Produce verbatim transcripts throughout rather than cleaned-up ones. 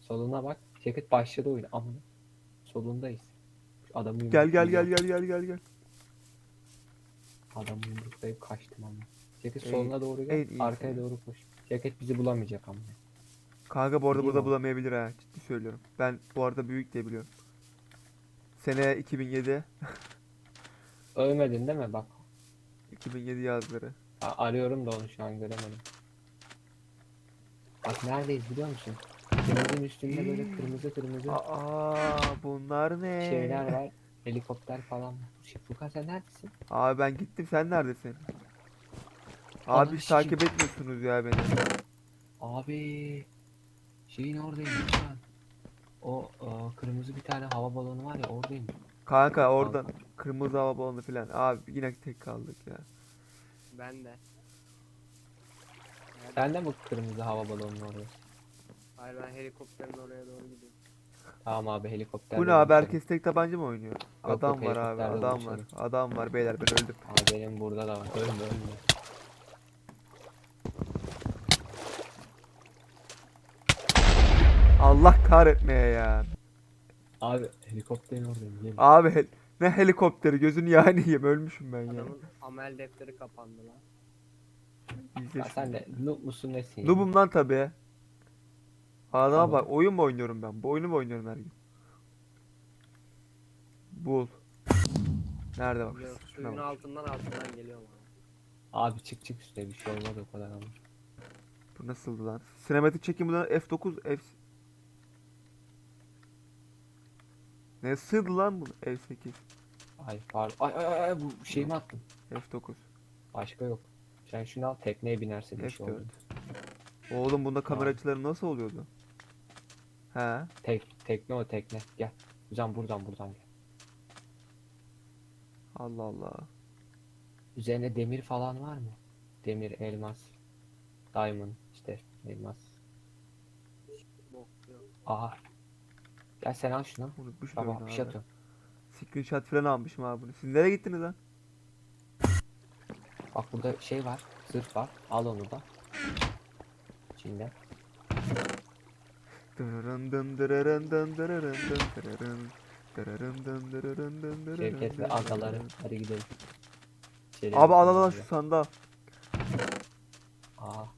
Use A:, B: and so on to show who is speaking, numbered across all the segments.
A: Soluna bak. Ceket başladı oyun. Amına. Solundayız. Şu adamı
B: Gel gel gel
A: yumruklayacağım.
B: gel gel gel gel.
A: Adamı yumruklayıp kaçtım ama. Ceket
B: En,
A: soluna doğru gel.
B: en iyisi.
A: Arkaya doğru koş. Ceket bizi bulamayacak ama.
B: Kanka bu arada
A: Değil
B: burada
A: mi?
B: bulamayabilir ha. Ciddi söylüyorum. Ben bu arada büyük diye biliyorum. Sene iki bin yedi.
A: Ölmedin değil mi? Bak.
B: iki bin yedi yazları.
A: a- Arıyorum da onu şu an göremedim. Bak neredeyiz biliyor musun? Denizin üstünde böyle kırmızı kırmızı
B: Aa bunlar ne?
A: şeyler var. Helikopter falan var. Şey, Furkan sen neredesin?
B: Abi ben gittim, sen neredesin? Abi
A: Ananı
B: hiç
A: sikeyim.
B: takip etmiyorsunuz ya beni.
A: Abi şeyin oradayım lütfen. O e, kırmızı bir tane hava balonu var ya oradayım.
B: Kanka oradan
A: Kanka.
B: kırmızı hava balonu falan. Abi yine tek kaldık ya.
C: Ben de. Nerede?
A: Sen de mi kırmızı hava balonun orada?
C: Hayır, ben helikopterin oraya doğru gidiyorum.
A: Tamam abi
B: Bu
A: helikopterde
B: ne abi,
A: buluşalım.
B: herkes tek tabanca mı oynuyor?
A: Yok yok
B: Adam var abi,
A: helikopterde
B: adam var.
A: buluşalım.
B: Adam var beyler, ben öldüm.
A: Abi benim burada da var. Ölme ölme.
B: Allah kahretmeye ya.
A: Abi helikopterin oradayım. Gelin.
B: Abi hel- ne helikopteri, gözünü yani yiyeyim, ölmüşüm ben ya.
C: Adamın amel defteri kapandı lan.
B: İzle
A: Ya sen
B: şimdi.
A: de noob musun nesin ya?
B: Noob'um lan tabi. Adama bak,
A: Tamam.
B: oyun mu oynuyorum ben? Bu oyunu mu oynuyorum her gün? Bul. Nerede bak?
C: Biliyorum,
B: Şuna
C: suyun
B: bak.
C: altından altından geliyor ama.
A: Abi çık çık üstüne bir şey olmadı o kadar ama.
B: Bu nasıldı lan? Sinematik çekim bunlar F dokuz F... Ne sığdı lan bu F sekiz?
A: Ay pardon. Ay ay ay ay, bu şey mi attın?
B: F dokuz.
A: Başka yok. Sen şunu al tekneye binersin bir şey
B: F dört.
A: oldu.
B: Oğlum bunda kamera
A: Tamam.
B: açıları nasıl oluyordu? He.
A: Tek, tekne o tekne. Gel. Güzel buradan buradan gel.
B: Allah Allah.
A: Üzerine demir falan var mı? Demir, elmas, diamond işte elmas.
C: Bok yok.
A: Aha. Gel sen al şunu.
B: Unutmuş
A: Baba
B: oyunu
A: bir şey
B: abi.
A: atıyorum.
B: Screenshot falan almışım abi bunu. Siz nereye gittiniz lan?
A: Bak burada şey var. Zırh var. Al onu da. İçinde.
B: Dırırın dın dırırın dın dırırın dın dırırın. Dırırın dın dırırın dın dırırın
A: Şevket ve
B: dın
A: agaları.
B: dırırın.
A: Hadi gidelim. İçeri
B: Abi al al al
A: gidelim
B: şu
A: ya.
B: sandığı al.
A: Aa.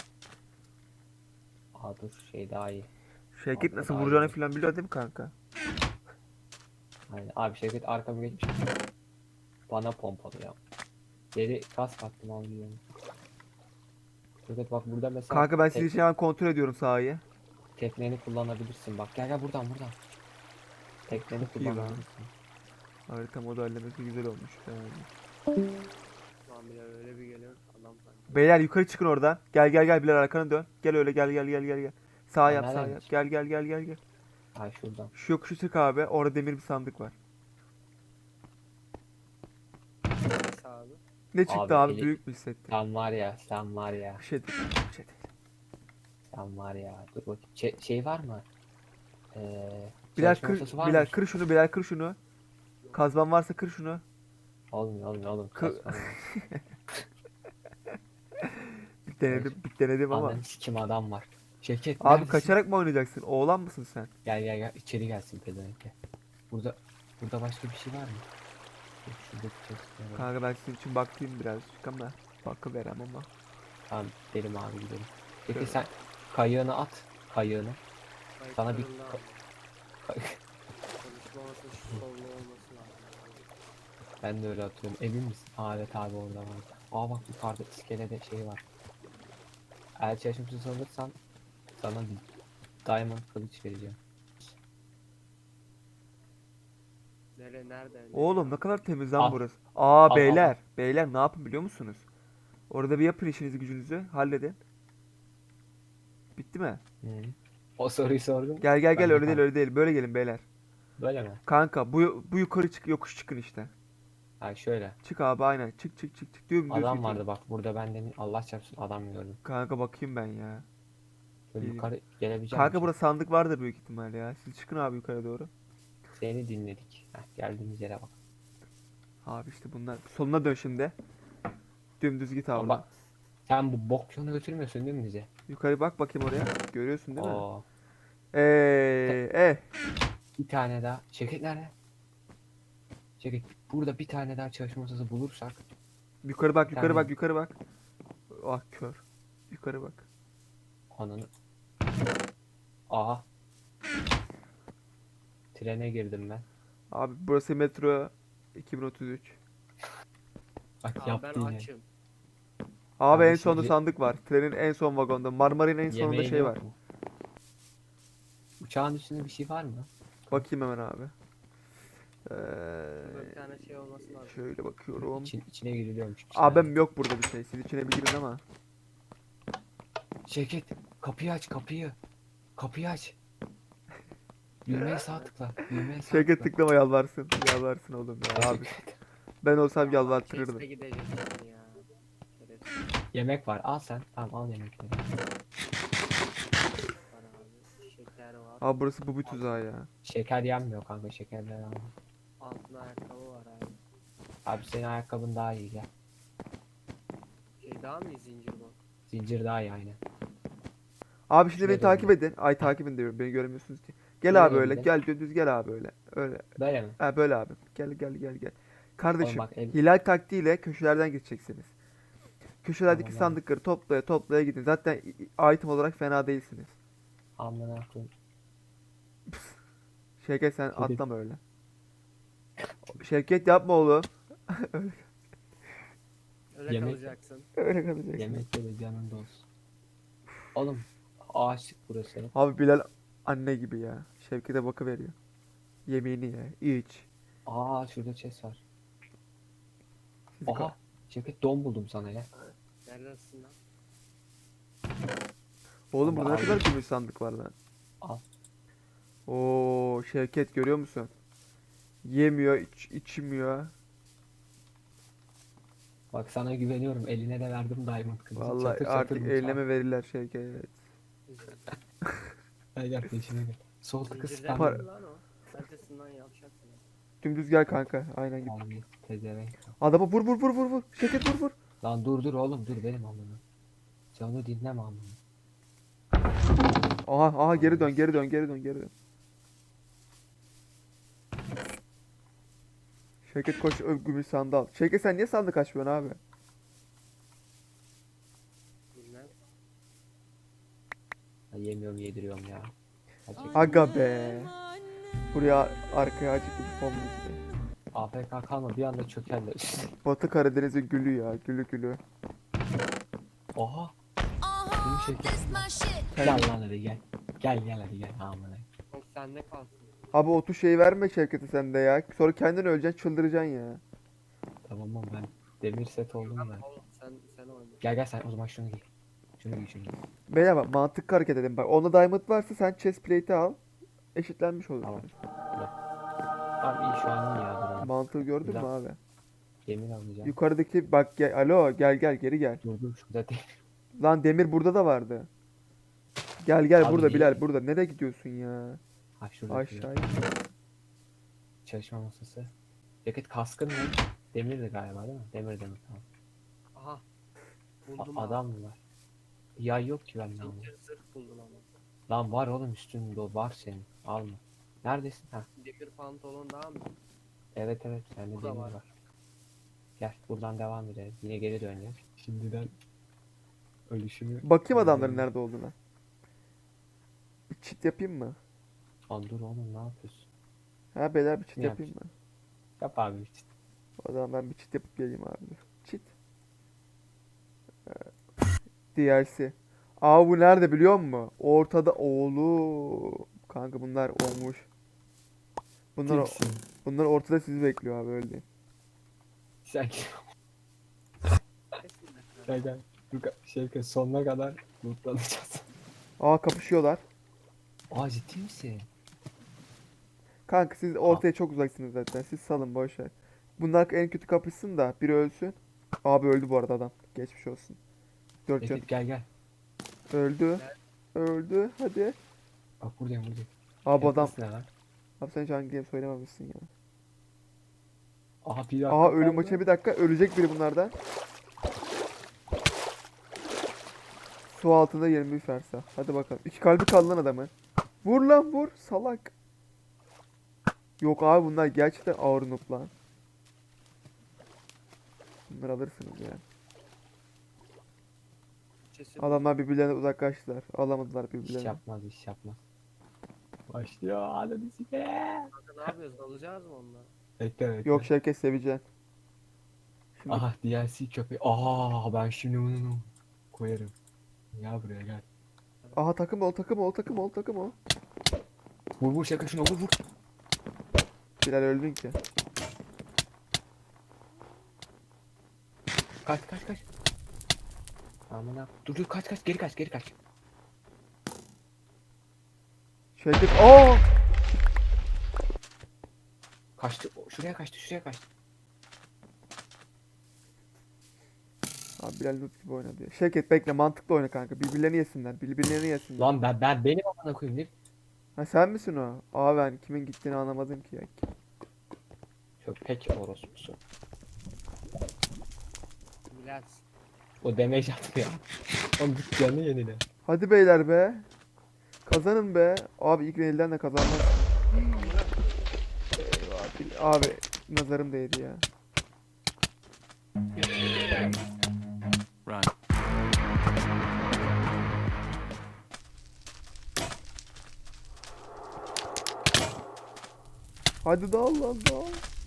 A: Aa dur şey daha iyi.
B: Şevket
A: Abi,
B: nasıl
A: daha
B: vuracağını
A: iyi.
B: falan biliyor değil mi kanka?
A: Aynen. Abi Şevket arkamı geçmiş. Bana pompalı ya. Geri kas kattım abi diyorum. Şevket bak burada mesela
B: Kanka ben
A: tek,
B: sizi şu an kontrol ediyorum sahayı.
A: tekneni kullanabilirsin. Bak gel gel buradan buradan. Tekneni
B: Çok iyi lan.
A: kullanabilirsin.
B: Harita modellemesi güzel olmuş yani.
C: Lan bile öyle bir geliyor. Adam sanki.
B: Beyler yukarı çıkın oradan. Gel gel gel, Bilal arkana dön. Gel öyle, gel gel gel gel gel. Sağ
A: Aa,
B: yap, sağ
A: nereden
B: yap.
A: gideceğim?
B: Gel gel gel gel gel.
A: Ay şuradan.
B: Şu yokuşu çık abi. Orada demir bir sandık var.
C: Neyse abi.
B: Ne çıktı
A: Abi,
B: abi?
A: eli-
B: Büyük mü hissettin?
A: Sen var ya sen var ya.
B: Bir şey değil. Bir şey değil.
A: Sen var ya. Dur bakayım. Şey, şey var mı? Ee,
B: Bilal
A: çalışma
B: kır,
A: masası var
B: Bilal
A: mı?
B: kır şunu, Bilal kır şunu. Kazman varsa kır şunu.
A: Olmuyor olmuyor oğlum.
B: Kı-
A: Kasmam lazım.
B: Bir denedim, bir denedim ama.
A: Ananı sikim adam var. Şevket
B: Abi
A: neredesin?
B: kaçarak mı oynayacaksın? Oğlan mısın sen?
A: Gel gel gel içeri gelsin pezevenk gel. Burada burada başka bir şey var mı? Dur, şuradaki chest'e bak.
B: Kanka ben sizin için bakayım birazcık ama bakıverem ama.
A: Tamam gidelim abi gidelim. Peki
B: Şöyle.
A: sen kayığını at. Kayığını. Sana bir
C: Kayıtlarında
A: ka-
C: konuşmaması şu sollu olması lazım.
A: Ben de öyle atıyorum. Emin misin? Aa evet abi orada var. Aa bak yukarıda iskelede şey var. Eğer çalışmışsız alırsan sana bir diamond kılıç vereceğim.
C: Nere nerede? nereye
B: Oğlum ne
C: abi?
B: kadar temiz lan
A: Al.
B: burası. Aa
A: Al, al,
B: beyler, beyler ne yapın biliyor musunuz? Orada bir yapın işinizi gücünüzü halledin. Bitti mi?
A: Hı. O soruyu sordum.
B: Gel gel
A: Ben
B: gel,
A: de
B: öyle değil
A: kaldım.
B: öyle değil. Böyle gelin beyler.
A: Böyle mi?
B: Kanka bu bu yukarı çık, yokuş çıkın işte.
A: Ha şöyle.
B: Çık abi aynen. Çık çık çık çık. Dümdüz
A: Adam
B: gidin.
A: vardı bak burada ben demin Allah çarpsın adam gördüm.
B: Kanka bakayım ben ya.
A: Böyle
B: İyi.
A: yukarı gelebilecek
B: Kanka
A: misin?
B: burada sandık vardır büyük ihtimal ya. Siz çıkın abi yukarı doğru.
A: Seni dinledik. Heh, geldiğimiz yere bak.
B: Abi işte bunlar. Soluna dön şimdi. Dümdüz git abi.
A: Ama bak sen bu bok yolunu götürmüyorsun değil mi bize?
B: Yukarı bak bakayım oraya. Görüyorsun değil mi?
A: Oo.
B: Eee eh.
A: Bir tane daha. Şevket nerede? Şevket burada bir tane daha çalışma masası bulursak
B: Yukarı bak,
A: Bir
B: yukarı
A: tane-
B: bak, yukarı bak. Ah kör. Yukarı bak.
A: ananı. Aha. Trene girdim ben.
B: Abi burası metro iki bin otuz üç.
A: Bak
C: Abi
A: yaptı
C: ben
A: yine.
C: açım.
B: Abi en
A: Kardeşim,
B: sonda
A: re-
B: sandık var. Trenin en son vagonda. Marmara'nın en sonunda
A: Yemeğin
B: şey
A: yok
B: var.
A: mu? Uçağın üstünde bir şey var mı?
B: Bakayım hemen abi.
C: Burada bir
B: Ee,
C: tane şey olması lazım.
B: şöyle bakıyorum.
A: İçin, içine giriliyormuş. bir
B: Abim
A: tane.
B: yok burada bir şey. Siz içine bir girin ama.
A: Şevket kapıyı aç kapıyı. Kapıyı aç. Düğmeye sağ tıkla. Düğmeye sağ
B: Şevket
A: tıkla.
B: tıklama yalvarsın. Yalvarsın oğlum ya abi.
A: Şevket.
B: Ben olsam
C: Allah,
B: yalvartırırdım.
C: Chest'e gidecek yani ya. Şerefsiz
A: Yemek var. Al sen. Tamam al yemekleri.
C: var abi. Şeker var.
B: Abi burası bu bir tuzağı ya.
A: Şeker yenmiyor kanka. Şekerler al.
C: Altın ayakkabı var abi.
A: Abi senin ayakkabın daha iyi gel.
C: Şey daha mı iyi zincir bu?
A: Zincir daha iyi aynen.
B: Abi şimdi
A: Şuraya
B: beni takip
A: dön.
B: edin. Ay takip edin diyorum. Beni göremiyorsunuz ki. Gel
A: Şuraya
B: abi
A: dön
B: öyle.
A: bir de.
B: Gel düz gel abi öyle. Öyle.
A: Böyle mi?
B: Ha böyle abi. Gel gel gel gel. Kardeşim
A: bak, el-
B: hilal taktiğiyle köşelerden geçeceksiniz. Köşelerdeki
A: Tamam,
B: sandıkları toplaya toplaya gidin. Zaten i- i- item olarak fena değilsiniz.
A: Amına koyayım.
B: Şevket sen
A: Şevket.
B: atlama öyle. Şevket yapma oğlum.
C: Öyle
A: Yemek-
C: kalacaksın.
B: Öyle kalacaksın.
A: Yemekte de canında olsun. Oğlum ağaçlık burası.
B: Abi Bilal anne gibi ya. Şevket'e bakıveriyor. Yemeğini ye. İç.
A: Aa şurada chest var.
B: Sizi ka-
A: Oha. Şevket don buldum sana ya.
C: Neredesin lan?
B: Oğlum
A: Ama
B: burada ne
A: abi-
B: kadar gümüş sandık var lan.
A: Al.
B: Oo Şevket görüyor musun? Yemiyor, iç, içmiyor.
A: Bak sana güveniyorum. Eline de verdim diamond kılıcı.
B: Vallahi
A: Çatır çatır
B: artık
A: mutfağa.
B: eyleme verirler Şevket.
A: Gel gel peşime gel. Sol tıkı
C: Zincirden
A: spam.
C: mi lan o? Neredesin lan yavşaksın.
B: Dümdüz gel kanka. Aynen git.
A: Abi tezevenk.
B: Adama vur vur vur vur vur. Şevket vur vur.
A: Lan dur dur oğlum dur benim amına. Sen onu dinleme amına.
B: Aha aha geri dön geri dön geri dön geri dön. Şevket koş ö- gümüş sandığı al. Şevket sen niye sandık açmıyorsun abi?
C: Bilmem.
A: Ya yemiyorum yediriyorum ya. Gerçekten.
B: Aga be. Buraya arkaya acıklı bir fon müziği.
A: A F K kalma bir anda çökerler.
B: Batı Karadeniz'in gülü ya. Gülü gülü.
A: Oha. Bunu şeker. Gel lan hadi gel. Gel gel hadi gel amına.
C: O sende kalsın.
B: Abi o tu şeyi verme Şevket'e sen de ya. Sonra kendin öleceksin çıldıracaksın ya.
A: Tamam oğlum ben demir set oldum da.
C: Oğlum sen sen oyna.
A: Gel gel sen o zaman şunu giy. Şunu giy şunu giy.
B: Beyler bak mantıklı hareket edin. Bak onda diamond varsa sen chest plate'i al. Eşitlenmiş olur.
A: Tamam. Abi iyi şu an iyi ya durum.
B: Mantığı gördün
A: Güzel.
B: mü abi?
A: Demir alacağım.
B: Yukarıdaki bak gel, alo gel gel geri gel.
A: Dur dur şurada değil.
B: Lan demir burada da vardı. Gel gel
A: Abi
B: burada
A: niye-
B: Bilal burada. Nereye gidiyorsun ya?
A: Ha şurada.
B: Aşağı.
A: Çalışma masası. Ceket kaskın ne? Demirdi galiba değil mi? Demir demir tamam.
C: Aha.
A: A-
C: Buldum abi.
A: adam mı var? Yay yok ki bende ama.
C: Zincir zırh buldum ama.
A: Lan var oğlum üstünde o var senin. Alma. Neredesin? Ha.
C: Demir pantolon daha mı?
A: Evet evet sende
C: Burada
A: demir
C: var.
A: var. Gel buradan devam edelim. Yine geri döneceğiz. Şimdiden ölüşümü...
B: Bakayım adamların nerede olduğuna. Bir çit yapayım mı?
A: Lan dur oğlum ne yapıyorsun?
B: Ha beyler bir çit
A: Ne
B: yapayım mı?
A: Yap abi işte.
B: O zaman ben bir çit yapıp geleyim abi. Dur. Çit. Ee, D L C. Aa bu nerede biliyor musun? Ortada oğlu. Kanka bunlar olmuş. Bunlar o-
A: Kimsin?
B: bunlar ortada sizi bekliyor abi öyle diyeyim.
A: Sen gel gel. Dur şey sonuna kadar lootlanacağız.
B: Aa kapışıyorlar.
A: Aa ciddi misin?
B: Kanka siz ortaya çok uzaksınız zaten. Siz salın boş ver. Bunlar en kötü kapışsın da biri ölsün. Abi öldü bu arada adam. Geçmiş olsun. Dört can.
A: Ekip gel gel.
B: Öldü. Öldü. Hadi.
A: Bak buradayım buradayım.
B: Abi adam.
A: Yapmasın ya lan.
B: Abi sen Jungle Game söylememişsin ya.
A: Aha bir dakika
B: Aha ölüm
A: kaldı.
B: maçı bir dakika. Ölecek biri bunlardan. Su altında yirmi bir fersa. Hadi bakalım. İki kalbi kaldı lan adamın. Vur lan vur salak. Yok abi bunlar gerçekten ağır noob lan. Bunları alırsınız ya.
C: Kesin.
B: Adamlar birbirlerine uzaklaştılar. Alamadılar
A: İş
B: birbirlerini.
A: yapmaz iş yapmaz. Başlıyor ananı sikeyim.
C: Kanka ne yapıyoruz? Dalacağız mı onunla?
A: Bekle bekle.
B: Yok Şevket seveceksin. Şimdi
A: Aha D L C köpeği. Aa ben şimdi bunu koyarım. Gel buraya gel.
B: aha takım ol takım ol takım ol takım ol.
A: Vur vur şaka şuna vur vur.
B: Bilal öldün ki.
A: Kaç kaç kaç. Aman ha. Dur dur kaç kaç geri kaç geri kaç.
B: Şevket aa!
A: Kaçtı. O, şuraya kaçtı şuraya kaçtı.
B: Abi Bilal noob gibi oynadı ya. Şevket bekle mantıklı oyna kanka. Birbirlerini yesinler. Birbirlerini yesinler.
A: Lan ben ben benim amına koyayım değil mi?
B: Ha sen misin o? Aa ben kimin gittiğini anlamadım ki ya.
A: Köpek orospusu.
C: Bilal.
A: O damage atmıyor. Oğlum git canını yenile.
B: Hadi beyler be. Kazanın be. Abi ilk elden de kazanmaz. Eyvah, Bil- Abi nazarım değdi ya.
D: Run.
B: Hadi dağıl lan dağıl.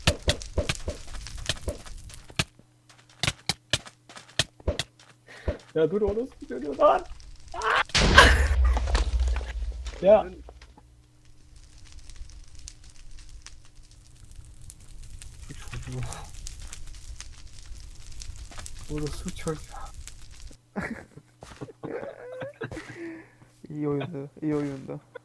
A: Ya dur orospu dönüyor lan. Ya. Bu çocuğu. Orospu çocuğu.
B: İyi oyundu. İyi oyundu.